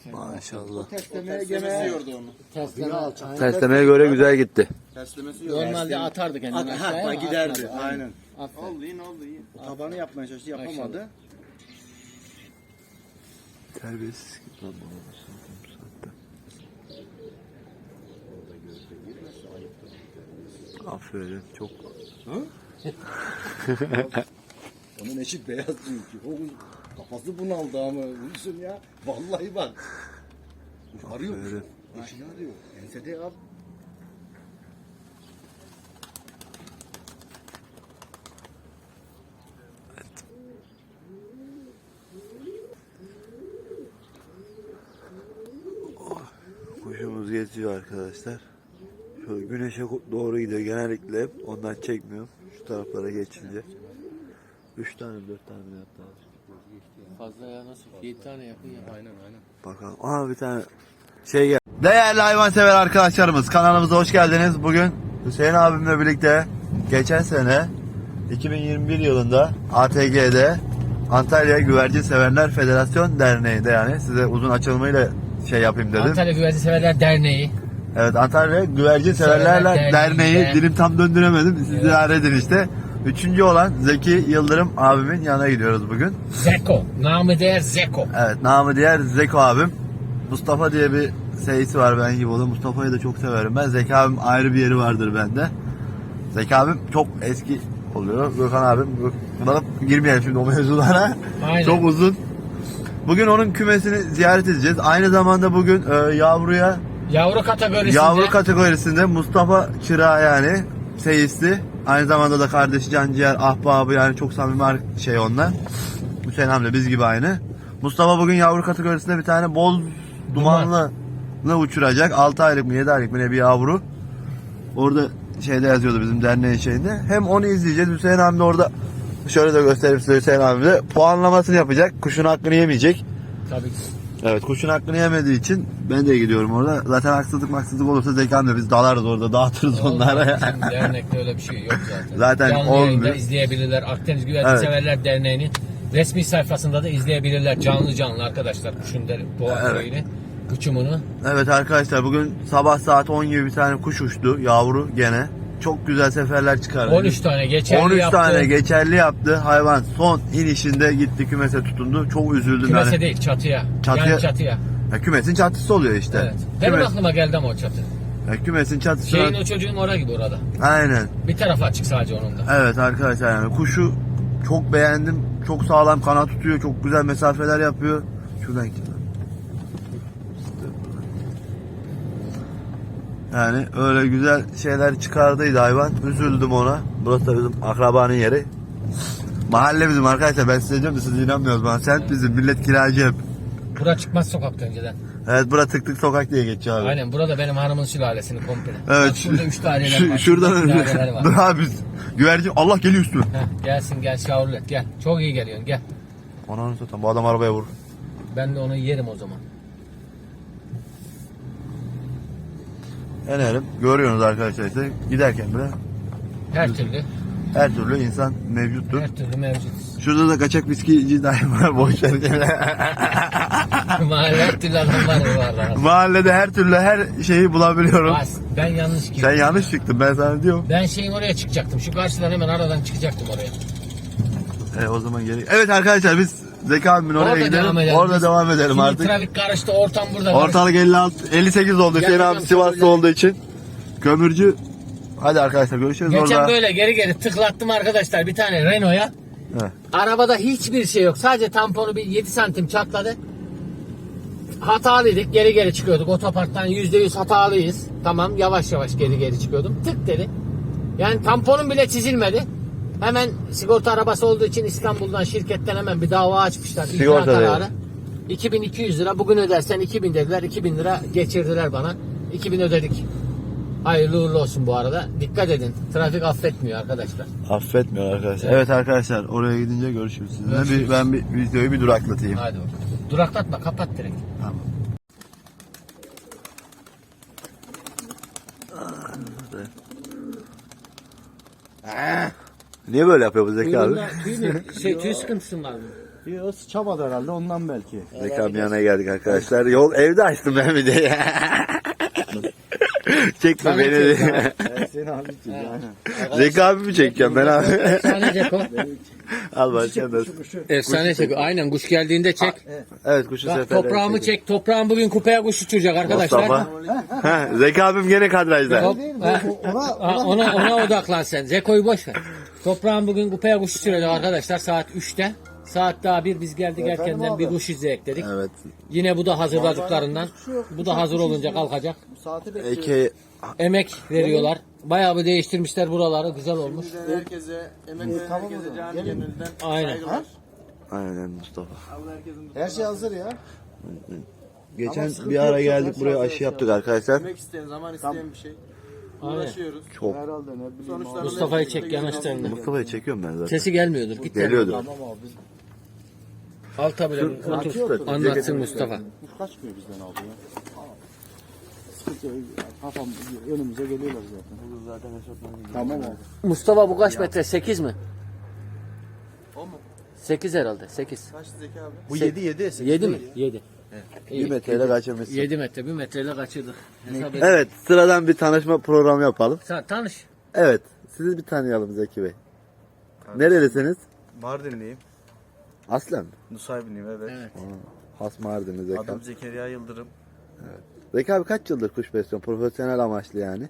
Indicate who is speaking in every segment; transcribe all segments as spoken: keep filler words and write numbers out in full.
Speaker 1: Maşallah.
Speaker 2: Terslemeye gene
Speaker 3: Tesleme,
Speaker 1: Terslemeye göre güzel gitti.
Speaker 2: Terslemesi yok.
Speaker 3: normalde atardı kendini
Speaker 2: At,
Speaker 3: aşağıya
Speaker 2: ha,
Speaker 3: ama
Speaker 2: giderdi.
Speaker 3: atmadı.
Speaker 2: Aynen.
Speaker 3: Aferin.
Speaker 2: Oldu iyi ne oldu iyi. O tabanı yapmaya çalıştı yapamadı.
Speaker 1: Terbiyesiz. Aferin çok.
Speaker 2: Onun eşi beyaz çünkü. O kafası bunaldı ama vursun ya. Vallahi bak. Arıyor.
Speaker 1: Aferin.
Speaker 2: Eşini arıyor. Ensede ya.
Speaker 1: Kuşumuz geziyor arkadaşlar. Şöyle güneşe doğru gidiyor genellikle hep. Ondan çekmiyorum. Şu taraflara geçince. Üç tane dört tane mi yaptı abi?
Speaker 3: Fazla ya nasıl? yedi tane yakın ya.
Speaker 2: Aynen aynen.
Speaker 1: Bakalım. Aha bir tane şey gel. Değerli hayvansever arkadaşlarımız kanalımıza hoş geldiniz. Bugün Hüseyin abimle birlikte geçen sene iki bin yirmi bir yılında A T G'de Antalya Güvercin Severler Federasyon Derneği'nde, yani size uzun açılımıyla şey yapayım dedim.
Speaker 3: Antalya Güvercin Severler Derneği.
Speaker 1: Evet, Antalya Güvercin Severler
Speaker 3: Severler
Speaker 1: Derneği,
Speaker 3: Derneği'nde.
Speaker 1: dilim tam döndüremedim. Siz idare edin işte. Üçüncü olan Zeki Yıldırım abimin yanına gidiyoruz bugün.
Speaker 3: Zeko. Namı değer Zeko.
Speaker 1: Evet, namı diğer Zeko abim. Mustafa diye bir seyisi var ben gibi, o da Mustafa'yı da çok severim ben. Zeki abim ayrı bir yeri vardır bende. Zeki abim çok eski oluyor. Gökhan abim, bana girmeyelim şimdi o mevzulara.
Speaker 3: Aynen.
Speaker 1: Çok uzun. Bugün onun kümesini ziyaret edeceğiz. Aynı zamanda bugün e, yavruya
Speaker 3: Yavru kategorisinde.
Speaker 1: Yavru kategorisinde Mustafa Çıra, yani seyisli. Aynı zamanda da kardeşi Canciğer, ahbabı, yani çok samimi şey onlar. Hüseyin amca biz gibi aynı. Mustafa bugün yavru kategorisinde bir tane boz dumanlı Duman. uçuracak. altı aylık mı yedi aylık mı ne bir yavru. Orada şeyde yazıyordu bizim derneğin şeyinde. Hem onu izleyeceğiz. Hüseyin amca orada, şöyle de göstereyim size, Hüseyin amca de puanlamasını yapacak. Kuşun hakkını yemeyecek.
Speaker 3: Tabii ki.
Speaker 1: Evet, kuşun hakkını yemediği için ben de gidiyorum orada. Zaten haksızlık maksızlık olursa Zekan'la biz dalarız orada, dağıtırız onlara.
Speaker 3: Bizim dernekte öyle bir şey yok zaten.
Speaker 1: Zaten
Speaker 3: Canlı
Speaker 1: olmuyor.
Speaker 3: yayında izleyebilirler. Akdeniz Güvercin
Speaker 1: Evet.
Speaker 3: Severler Derneği'nin resmi sayfasında da izleyebilirler. Canlı canlı arkadaşlar kuşun der, boğa
Speaker 1: Evet.
Speaker 3: şeyini, uçumunu.
Speaker 1: Evet arkadaşlar, bugün sabah saat on gibi bir tane kuş uçtu, yavru gene. Çok güzel seferler çıkardı.
Speaker 3: on üç tane geçerli
Speaker 1: on üç
Speaker 3: yaptı.
Speaker 1: tane geçerli yaptı. Hayvan son inişinde gitti kümese tutundu. Çok üzüldüm
Speaker 3: Kümese
Speaker 1: yani.
Speaker 3: değil çatıya.
Speaker 1: Çatıya-
Speaker 3: Yani çatıya.
Speaker 1: Ya, kümesin çatısı oluyor işte.
Speaker 3: Evet. Benim
Speaker 1: Kümes-
Speaker 3: aklıma geldi ama o çatı.
Speaker 1: ya, kümesin çatısı.
Speaker 3: Şeyin o çocuğun oraya gibi orada.
Speaker 1: Aynen.
Speaker 3: Bir tarafı açık sadece onun da.
Speaker 1: Evet arkadaşlar, yani kuşu çok beğendim. Çok sağlam kanat tutuyor. Çok güzel mesafeler yapıyor. Şuradan git. Yani öyle güzel şeyler çıkardıydı hayvan. Üzüldüm ona. Burası da bizim akrabanın yeri. Mahalle bizim arkadaşlar. Ben size diyorum da siz inanmıyorsunuz bana. Semt bizim. Millet kiracı hep.
Speaker 3: Bura çıkmaz sokakta önceden.
Speaker 1: Evet, bura tık tık sokak diye geçiyor abi.
Speaker 3: Aynen burada benim hanımın sülalesini komple.
Speaker 1: Evet.
Speaker 3: Bak şurada üç tane
Speaker 1: Şu,
Speaker 3: var.
Speaker 1: şuradan
Speaker 3: Şurada
Speaker 1: önce.
Speaker 3: sülaleler var.
Speaker 1: Dur abi. Güvercin. Allah geliyor üstüme.
Speaker 3: Heh, gelsin gel Şavrulet gel. Çok iyi geliyorsun gel.
Speaker 1: Ananı satayım. Bu adam arabaya vurur.
Speaker 3: Ben de onu yerim o zaman.
Speaker 1: Enerim. Görüyorsunuz arkadaşlar işte. Giderken bile
Speaker 3: Her türlü.
Speaker 1: her türlü insan mevcuttur.
Speaker 3: Her türlü mevcut.
Speaker 1: Şurada da kaçak viskici dayı var. Boş ver.
Speaker 3: Mahalle her türlü adam var valla.
Speaker 1: Mahallede her türlü her şeyi bulabiliyorum.
Speaker 3: Bas, ben yanlış girdim.
Speaker 1: Sen yanlış çıktın, ben sana diyorum.
Speaker 3: Ben şeyin oraya çıkacaktım. Şu karşıdan hemen aradan çıkacaktım oraya.
Speaker 1: E, o zaman geri. Evet arkadaşlar, biz Zeki abimin oraya
Speaker 3: Orada
Speaker 1: gidelim.
Speaker 3: devam edelim.
Speaker 1: Orada
Speaker 3: Biz-
Speaker 1: devam edelim
Speaker 3: Şimdi
Speaker 1: artık.
Speaker 3: trafik karıştı, ortam burada. karıştı.
Speaker 1: Ortalık elli altı elli sekiz oldu. Hüseyin
Speaker 3: Yakacağım
Speaker 1: abi Sivaslı
Speaker 3: kömürleri.
Speaker 1: olduğu için. Kömürcü. Hadi arkadaşlar, görüşürüz
Speaker 3: Geçen
Speaker 1: orada.
Speaker 3: böyle geri geri tıklattım arkadaşlar bir tane Renault'a.
Speaker 1: Heh.
Speaker 3: Arabada hiçbir şey yok. Sadece tamponu bir yedi santim çatladı. Hatalıydık. Geri geri çıkıyorduk. Otoparktan yüzde yüz hatalıyız. Tamam, yavaş yavaş geri geri çıkıyordum. Tık dedi. Yani tamponum bile çizilmedi. Hemen sigorta arabası olduğu için İstanbul'dan, şirketten hemen bir dava açmışlar. İcra
Speaker 1: Sigorta
Speaker 3: kararı.
Speaker 1: değil.
Speaker 3: iki bin iki yüz lira. Bugün ödersen iki bin dediler. iki bin lira geçirdiler bana. iki bin ödedik. Hayırlı uğurlu olsun bu arada. Dikkat edin. Trafik affetmiyor arkadaşlar.
Speaker 1: Affetmiyor arkadaşlar. Evet arkadaşlar, oraya gidince görüşürüz sizinle.
Speaker 3: Görüşürüz.
Speaker 1: Bir, ben bir videoyu bir duraklatayım.
Speaker 3: Hadi bakalım. Duraklatma, kapat direkt.
Speaker 1: Tamam. Niye böyle yapıyor bu Zeki abi?
Speaker 3: Tüy, şey, tüy sıkıntısı var mı?
Speaker 2: Bir sıçamadı herhalde ondan belki.
Speaker 1: Zeki abi yanına geldik arkadaşlar. Yol evde açtım ben bir de. Çekme
Speaker 3: Ben
Speaker 1: beni de.
Speaker 2: Evet, seni abi için yani.
Speaker 1: Zeki abi mi çekeceğim ben abi?
Speaker 3: Efsane Ceko.
Speaker 1: Al başkan da.
Speaker 3: Efsane Ceko. Aynen kuş geldiğinde çek.
Speaker 1: Evet kuşu
Speaker 3: Bak,
Speaker 1: seferleri
Speaker 3: toprağımı
Speaker 1: çekiyor.
Speaker 3: çek. Toprağım bugün kupaya kuş uçuracak arkadaşlar.
Speaker 1: Mustafa. Ha, Zeki abim gene kadrajda.
Speaker 3: Top, ha, ha, ona, ona odaklan sen. Zeko'yu boş ver. Toprağım bugün kupaya kuş uçuracak arkadaşlar saat üçte. Saat daha bir biz geldik erkenden bir kuş izleyek dedik.
Speaker 1: Evet.
Speaker 3: Yine bu da hazırladıklarından. Bu da hazır olunca kalkacak.
Speaker 2: Saati bekliyoruz.
Speaker 1: Eke
Speaker 3: Emek veriyorlar. Bayağı bir değiştirmişler buraları. Güzel olmuş.
Speaker 4: Herkese, emek veren
Speaker 2: tamam o
Speaker 4: herkese
Speaker 2: zaman.
Speaker 4: canı
Speaker 2: Gelin.
Speaker 4: gönülden
Speaker 3: Aynen.
Speaker 4: saygılar.
Speaker 1: aynen Mustafa.
Speaker 4: Allah herkesin
Speaker 2: Her şey hazır ya.
Speaker 1: Geçen
Speaker 2: sıkıntı
Speaker 1: bir ara
Speaker 2: yok,
Speaker 1: geldik
Speaker 2: çok
Speaker 1: buraya
Speaker 2: hazır
Speaker 1: aşı
Speaker 2: şey
Speaker 1: yaptık arkadaşlar.
Speaker 4: emek isteyen, zaman isteyen bir şey.
Speaker 3: Aynen.
Speaker 4: Uğraşıyoruz.
Speaker 1: Çok.
Speaker 2: Herhalde ne bileyim.
Speaker 4: Sonuçlarını
Speaker 2: abi.
Speaker 3: Mustafa'yı
Speaker 4: hep
Speaker 3: çek
Speaker 4: birlikte
Speaker 3: yanaşlarını.
Speaker 4: göreceğiz.
Speaker 1: Mustafa'yı çekiyorum ben zaten.
Speaker 3: Sesi gelmiyordur. Git
Speaker 1: Geliyordu.
Speaker 2: Tamam abi biz
Speaker 3: Alta bile otur. Anlatsın Mustafa.
Speaker 2: kuş kaçmıyor bizden abi ya. Sıkıntı yok. Kafam önümüze geliyorlar zaten. Olur zaten Tamam abi.
Speaker 3: Mustafa bu kaç metre? sekiz mi?
Speaker 4: O mu?
Speaker 3: sekiz herhalde. sekiz.
Speaker 4: Kaç Zeki abi?
Speaker 2: Bu yedi yedi.
Speaker 3: yedi mi? yedi.
Speaker 1: Bir metreyle kaçırmışsın.
Speaker 3: yedi metre. bir metreyle kaçırdık. Hesap edin.
Speaker 1: Evet sıradan bir tanışma programı yapalım.
Speaker 3: Sen tanış.
Speaker 1: Evet sizi bir tanıyalım Zeki Bey. Nerelisiniz?
Speaker 5: Mardinliyim.
Speaker 1: Aslen mi?
Speaker 5: Nusaybinliyim evet.
Speaker 3: Evet.
Speaker 1: Has Mardinli Zeki
Speaker 5: Adım
Speaker 1: abi.
Speaker 5: Zekeriya Yıldırım.
Speaker 1: Zeki abi kaç yıldır kuş besliyorsun? Profesyonel amaçlı yani.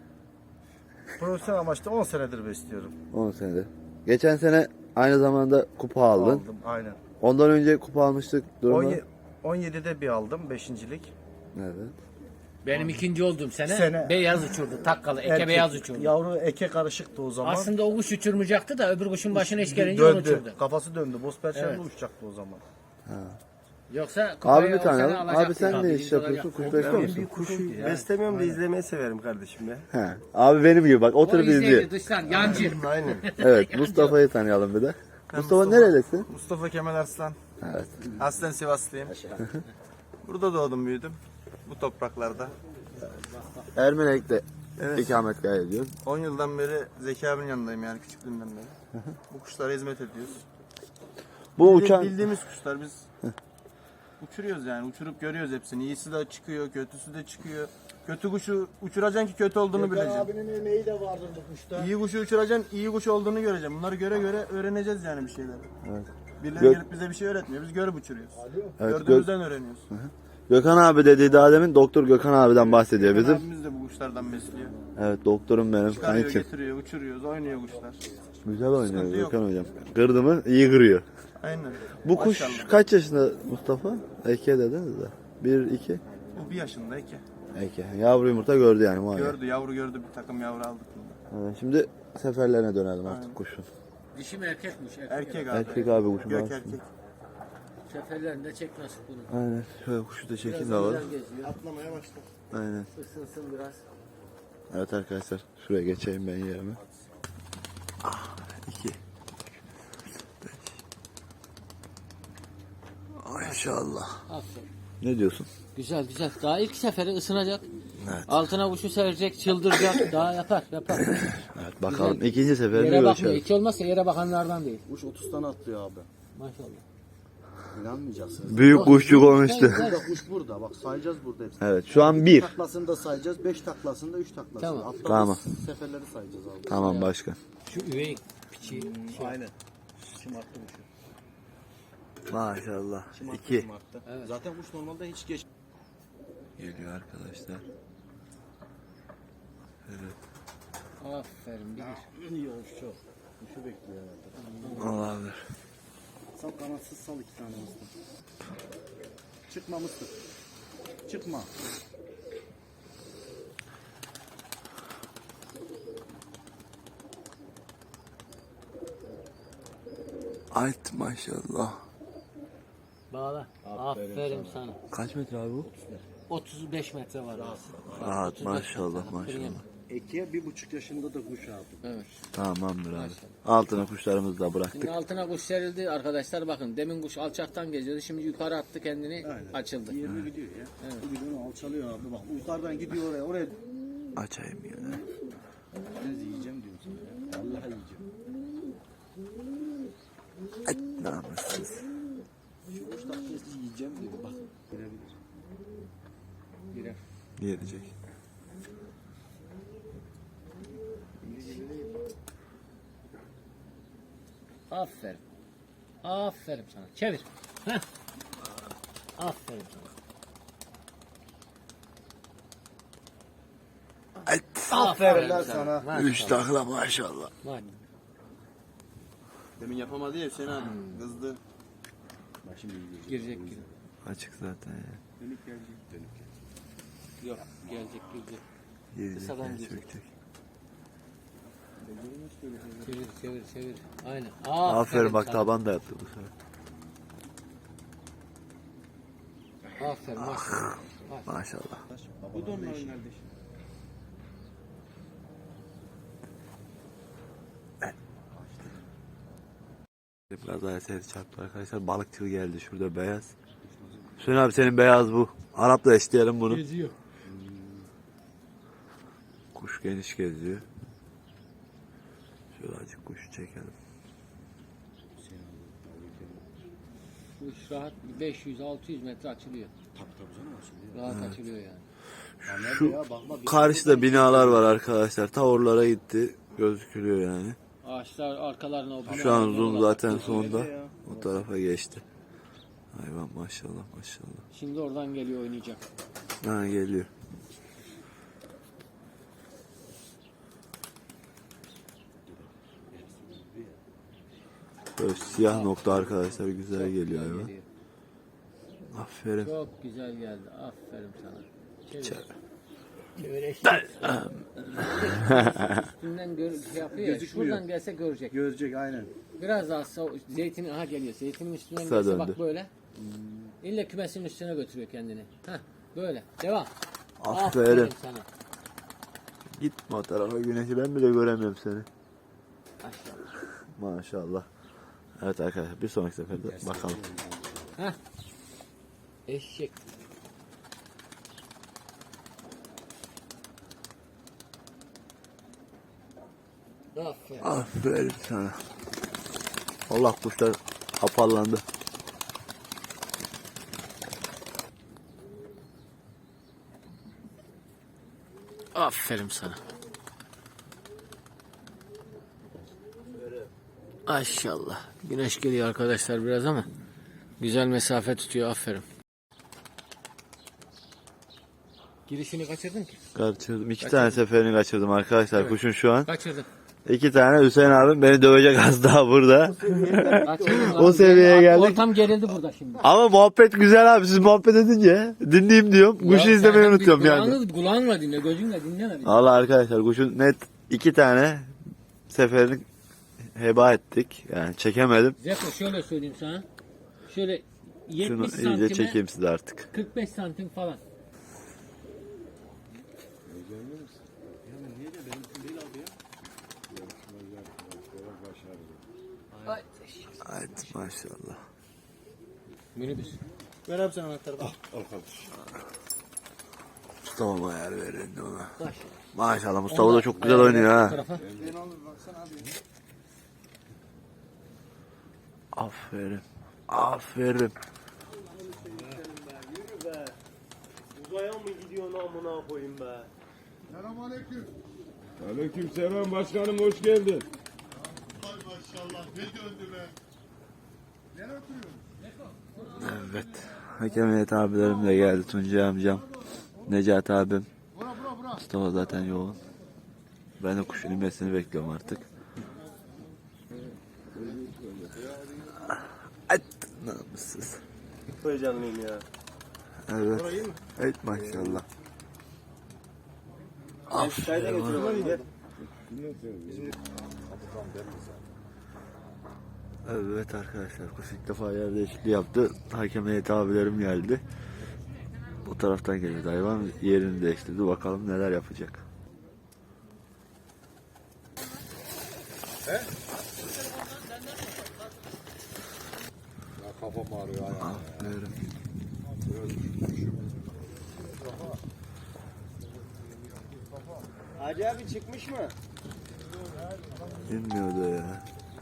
Speaker 5: Profesyonel amaçlı on senedir besliyorum.
Speaker 1: on senedir. Geçen sene aynı zamanda kupa aldın.
Speaker 5: Aldım aynen.
Speaker 1: Ondan önce kupa almıştık. Durumu.
Speaker 5: on yedide bir aldım beşincilik.
Speaker 1: Evet.
Speaker 3: Benim ikinci olduğum sene,
Speaker 5: Sene-
Speaker 3: beyaz uçurdu. Takkalı. Eke
Speaker 5: Erkek,
Speaker 3: beyaz uçurdu.
Speaker 5: Yavru eke karışıktı o zaman.
Speaker 3: Aslında o kuş uçurmayacaktı da öbür kuşun başına iş gelince onu
Speaker 5: döndü.
Speaker 3: uçurdu.
Speaker 5: Kafası döndü. Boz perşembe
Speaker 3: Evet.
Speaker 5: uçacaktı o zaman.
Speaker 3: Yoksa kupayı
Speaker 1: Abi bir
Speaker 3: o sene
Speaker 1: tanıyalım.
Speaker 3: alacaktı.
Speaker 1: Abi sen
Speaker 3: Tabii,
Speaker 1: ne
Speaker 3: biz
Speaker 1: iş yapıyorsun?
Speaker 3: olacak.
Speaker 1: Kuş besliyor musun?
Speaker 5: Kuşu beslemiyorum da izlemeyi severim kardeşim ya.
Speaker 1: He. Abi benim gibi bak
Speaker 3: O
Speaker 1: oturup izliyor.
Speaker 3: izleyici dıştan yancı.
Speaker 5: Aynen.
Speaker 1: Evet Mustafa'yı tanıyalım bir de. Mustafa nerelisin?
Speaker 5: Mustafa Kemal Arslan.
Speaker 1: Evet.
Speaker 5: Aslen Sivaslıyım. Burada doğdum büyüdüm. Bu topraklarda.
Speaker 1: Ermenek'te
Speaker 5: Evet.
Speaker 1: ikamet ediyoruz.
Speaker 5: on yıldan beri Zeki abinin yanındayım yani küçüklüğümden beri. Bu kuşlara hizmet ediyoruz.
Speaker 1: Bu
Speaker 5: Bildi-
Speaker 1: uçan
Speaker 5: Bildiğimiz kuşlar biz uçuruyoruz yani uçurup görüyoruz hepsini. İyisi de çıkıyor, kötüsü de çıkıyor. Kötü kuşu uçuracaksın ki kötü olduğunu
Speaker 2: Gökhan
Speaker 5: bileceksin.
Speaker 2: abinin emeği de vardır bu kuşta.
Speaker 5: İyi kuşu uçuracaksın, iyi kuş olduğunu göreceksin. Bunları göre göre öğreneceğiz yani bir şeyler.
Speaker 1: Evet.
Speaker 5: Birileri
Speaker 1: Gök-
Speaker 5: gelip bize bir şey öğretmiyor. Biz görüp uçuruyoruz.
Speaker 1: Evet,
Speaker 5: Gördüğümüzden öğreniyoruz.
Speaker 1: Gökhan abi dediği daha demin doktor Gökhan abiden bahsediyor bizim.
Speaker 5: Abimiz de bu kuşlardan besliyor.
Speaker 1: Evet doktorum benim
Speaker 5: Çıkarıyor,
Speaker 1: kankim.
Speaker 5: getiriyor, uçuruyoruz, oynuyor kuşlar.
Speaker 1: Güzel oynuyor
Speaker 5: Sıkıntı yok.
Speaker 1: Gökhan hocam. Kırdı mı iyi kırıyor.
Speaker 5: Aynen.
Speaker 1: Bu kuş
Speaker 5: Maşallah.
Speaker 1: kaç yaşında Mustafa? Eke dediniz de. Bir, iki.
Speaker 5: Bu bir yaşında iki.
Speaker 1: Eke. Yavru yumurta gördü yani muayene.
Speaker 5: Gördü, yavru gördü. Bir takım yavru aldık bunda.
Speaker 1: Evet, şimdi seferlerine dönelim artık kuşun.
Speaker 3: Dişi mi erkekmiş? Erkek.
Speaker 5: Erkek abi.
Speaker 1: Erkek abi kuşun
Speaker 5: Gök
Speaker 1: bazısı.
Speaker 5: erkek.
Speaker 3: Seferlerinde çek nasip bunu.
Speaker 1: Aynen. Şöyle kuşu da çekeyim de
Speaker 3: Biraz
Speaker 1: var.
Speaker 3: güzel geziyor.
Speaker 5: Atlamaya başladı.
Speaker 1: Aynen.
Speaker 3: Isınsın biraz.
Speaker 1: Evet arkadaşlar. Şuraya geçeyim ben yerime. Ah, iki. Beş. Maşallah.
Speaker 3: Aferin.
Speaker 1: Ne diyorsun?
Speaker 3: Güzel güzel. Daha ilk seferi ısınacak.
Speaker 1: Evet.
Speaker 3: Altına kuşu serecek, çıldıracak. Daha yapar yapar.
Speaker 1: Evet bakalım. İkinci seferinde
Speaker 3: Yere bakmıyor.
Speaker 1: görüşelim.
Speaker 3: Hiç olmazsa yere bakanlardan değil.
Speaker 2: Kuş otuz tane atlıyor abi.
Speaker 3: Maşallah.
Speaker 2: İnanmayacaksınız.
Speaker 1: Büyük kuşçu konuştu.
Speaker 2: Burada kuş burada. Bak sayacağız burada hepsini.
Speaker 1: Evet şu an bir.
Speaker 2: Taklasını da sayacağız. Beş taklasını da üç taklasını.
Speaker 3: Tamam.
Speaker 2: Atladığımız
Speaker 1: Tamam.
Speaker 2: seferleri sayacağız abi.
Speaker 1: Tamam başkan.
Speaker 3: Şu üvey piçi.
Speaker 2: Aynen. Şımarttı kuşu.
Speaker 1: Maşallah.
Speaker 2: Şımarttı,
Speaker 1: İki.
Speaker 2: şımarttı. Zaten kuş normalde hiç geç.
Speaker 1: Geliyor arkadaşlar.
Speaker 3: Aferin bilir.
Speaker 2: İyi olmuş çok. Kuşu bekliyor herhalde.
Speaker 1: Olabilir.
Speaker 2: Sal kanatsız sal iki tane mıstık. Çıkma mıstık. Çıkma.
Speaker 1: Alt maşallah.
Speaker 3: Bağla. Aferin, sana.
Speaker 1: Kaç metre abi bu?
Speaker 3: otuz beş metre var arası.
Speaker 1: Rahat
Speaker 3: otuz beş
Speaker 1: maşallah
Speaker 3: metre.
Speaker 1: maşallah.
Speaker 2: Ekiye bir buçuk yaşında da kuş aldım.
Speaker 3: Evet.
Speaker 1: Tamamdır abi. Altına kuşlarımızı da bıraktık.
Speaker 3: Şimdi altına kuş serildi arkadaşlar, bakın demin kuş alçaktan geziyordu, şimdi yukarı attı kendini, açıldı.
Speaker 2: Yirmi gidiyor ya. Evet. Bu gidiyor alçalıyor abi bak. Yukarıdan gidiyor oraya. Oraya
Speaker 1: Açayım yine.
Speaker 2: ben yiyeceğim diyorum sana ya. Vallahi yiyeceğim.
Speaker 1: Ay namussuz. Gelecek.
Speaker 3: Aferin. Aferin sana. Çevir. Heh. Aferin sana.
Speaker 2: Aferin lan
Speaker 3: sana.
Speaker 2: sana.
Speaker 3: Maşallah.
Speaker 1: Üç takla maşallah.
Speaker 3: Var.
Speaker 5: Demin yapamadı ya Hüseyin abi. Kızdı.
Speaker 2: Bak şimdi gidiyor.
Speaker 3: Girecek gibi.
Speaker 1: Açık zaten ya.
Speaker 5: Dönük gelecek.
Speaker 2: Dönük.
Speaker 3: Yok. Gelecek gelecek.
Speaker 1: Gelecek
Speaker 3: Kısadan
Speaker 1: ya,
Speaker 3: gelecek.
Speaker 1: çökecek.
Speaker 3: Çevir çevir çevir. Aynen.
Speaker 1: Aferin bak
Speaker 3: sana.
Speaker 1: taban da yaptı bu sefer.
Speaker 3: Aferin maşallah.
Speaker 1: Maşallah.
Speaker 5: Bu da onların kardeşi.
Speaker 1: Biraz daha ses çarptı arkadaşlar. Balıkçı geldi şurada beyaz. Hüseyin abi senin beyaz bu. Arap'la eşleyelim bunu.
Speaker 3: Geziyor.
Speaker 1: Kuş geniş geziyor. Şöyle azıcık kuşu çekelim.
Speaker 3: Bu iş rahat beş yüz altı yüz metre açılıyor.
Speaker 2: Tabii tabii canım açılıyor.
Speaker 3: Rahat açılıyor yani.
Speaker 2: Ya nerede
Speaker 1: Şu
Speaker 2: ya? Bakma, bir-
Speaker 1: karşıda binalar var arkadaşlar. Ta oralara gitti. Gözükülüyor yani.
Speaker 3: Ağaçlar arkalarına o
Speaker 1: Şu an
Speaker 3: binaların
Speaker 1: zoom
Speaker 3: oralar.
Speaker 1: zaten sonda. O tarafa geçti. Hayvan maşallah maşallah.
Speaker 3: Şimdi oradan geliyor oynayacak.
Speaker 1: Ha geliyor. Böyle siyah nokta arkadaşlar güzel geliyor hayvan.
Speaker 3: Geliyor.
Speaker 1: Aferin.
Speaker 3: Çok güzel geldi. Aferin sana. Çevir.
Speaker 1: Çevir.
Speaker 3: Çevir eşit. Üstünden gör, şey yapıyor ya.
Speaker 2: Gözükmüyor.
Speaker 3: Şuradan gelse görecek.
Speaker 2: Görecek aynen.
Speaker 3: Biraz daha sağ, zeytinin aha geliyor. Zeytinin üstünden
Speaker 1: Kısa
Speaker 3: gelse
Speaker 1: döndü.
Speaker 3: bak böyle. İlle kümesinin üstüne götürüyor kendini. Heh, böyle. Devam.
Speaker 1: Aferin.
Speaker 3: sana.
Speaker 1: Gitme o tarafa güneşi ben bile göremiyorum seni.
Speaker 3: Maşallah.
Speaker 1: Maşallah. Evet arkadaşlar bir sonraki seferde bakalım.
Speaker 3: Heh. Eşek. Aferin.
Speaker 1: Aferin sana. Allah kuşlar apallandı.
Speaker 3: Aferin sana. Maşallah. Güneş geliyor arkadaşlar biraz ama güzel mesafe tutuyor. Aferin. Girişini kaçırdın ki.
Speaker 1: Kaçırdım. İki tane seferini kaçırdım arkadaşlar
Speaker 3: Evet.
Speaker 1: kuşun şu an.
Speaker 3: Kaçırdın.
Speaker 1: İki tane Hüseyin abim beni dövecek az daha burada.
Speaker 3: Kaçırdın.
Speaker 1: O seviyeye geldik.
Speaker 3: Ortam gerildi burada şimdi.
Speaker 1: Ama muhabbet güzel abi siz muhabbet edince dinleyeyim diyorum. Kuşu
Speaker 3: Ya
Speaker 1: izlemeyi
Speaker 3: sen
Speaker 1: unutuyorum
Speaker 3: bir
Speaker 1: yani.
Speaker 3: Kulağını, kulağınla dinle, gözünle dinleme.
Speaker 1: Valla arkadaşlar kuşun net iki tane seferini heba ettik. Yani çekemedim.
Speaker 3: Zeko şöyle söyleyeyim sana. Şöyle
Speaker 1: Şunu
Speaker 3: yetmiş
Speaker 1: iyice
Speaker 3: santime
Speaker 1: çekeyim size artık.
Speaker 3: kırk beş santim falan. Ay,
Speaker 1: Evet maşallah.
Speaker 3: minibüs.
Speaker 5: Ver abi sen anahtarı. Bak.
Speaker 1: Mustafa ayar verin ona.
Speaker 3: Baş.
Speaker 1: Maşallah Mustafa da çok güzel oynuyor ha.
Speaker 3: Tarafa.
Speaker 5: Ne olur baksana abi.
Speaker 1: Aferin. Aferin.
Speaker 6: Uzaya mı gidiyorsun amına koyayım be?
Speaker 7: Aleykümselam başkanım hoş geldin.
Speaker 6: Ay maşallah ne döndü be?
Speaker 1: Evet. Hakemiyet abilerim de geldi. Tuncay amcam. Necati abim. Mustafa zaten yoğun. Ben de kuşun inmesini bekliyorum artık. At namussuz.
Speaker 6: Heyecanlıyım ya.
Speaker 1: Evet. Evet maşallah.
Speaker 6: Çayda getiriyorlar gel.
Speaker 1: Evet arkadaşlar kuş ilk defa yer değişikliği yaptı. Hakem heyeti abilerim geldi. Bu taraftan geliyordu hayvan yerini değiştirdi. Bakalım neler yapacak.
Speaker 2: Ya kafam ağrıyor ya.
Speaker 1: Aferin.
Speaker 6: Hacı abi çıkmış mı?
Speaker 1: İnmiyordu ya.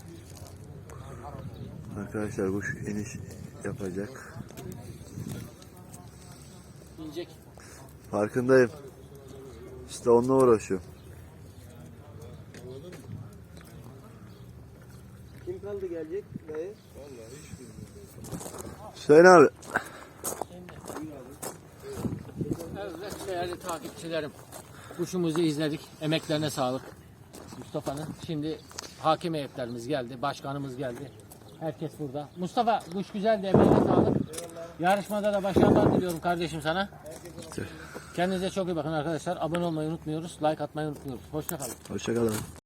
Speaker 1: Arkadaşlar kuş iniş yapacak.
Speaker 3: İnecek.
Speaker 1: Farkındayım. İşte onunla uğraşıyorum.
Speaker 6: Kim kaldı gelecek dayı?
Speaker 1: Hüseyin abi.
Speaker 3: Evet değerli takipçilerim. Kuşumuzu izledik. Emeklerine sağlık. Mustafa'nın. Şimdi hakim heyetlerimiz geldi. Başkanımız geldi. Herkes burada. Mustafa kuş güzeldi. Emeğine sağlık. Yarışmada da başarılar diliyorum kardeşim sana. Kendinize çok iyi bakın arkadaşlar. Abone olmayı unutmuyoruz. Like atmayı unutmuyoruz. Hoşça kalın.
Speaker 1: Hoşçakalın.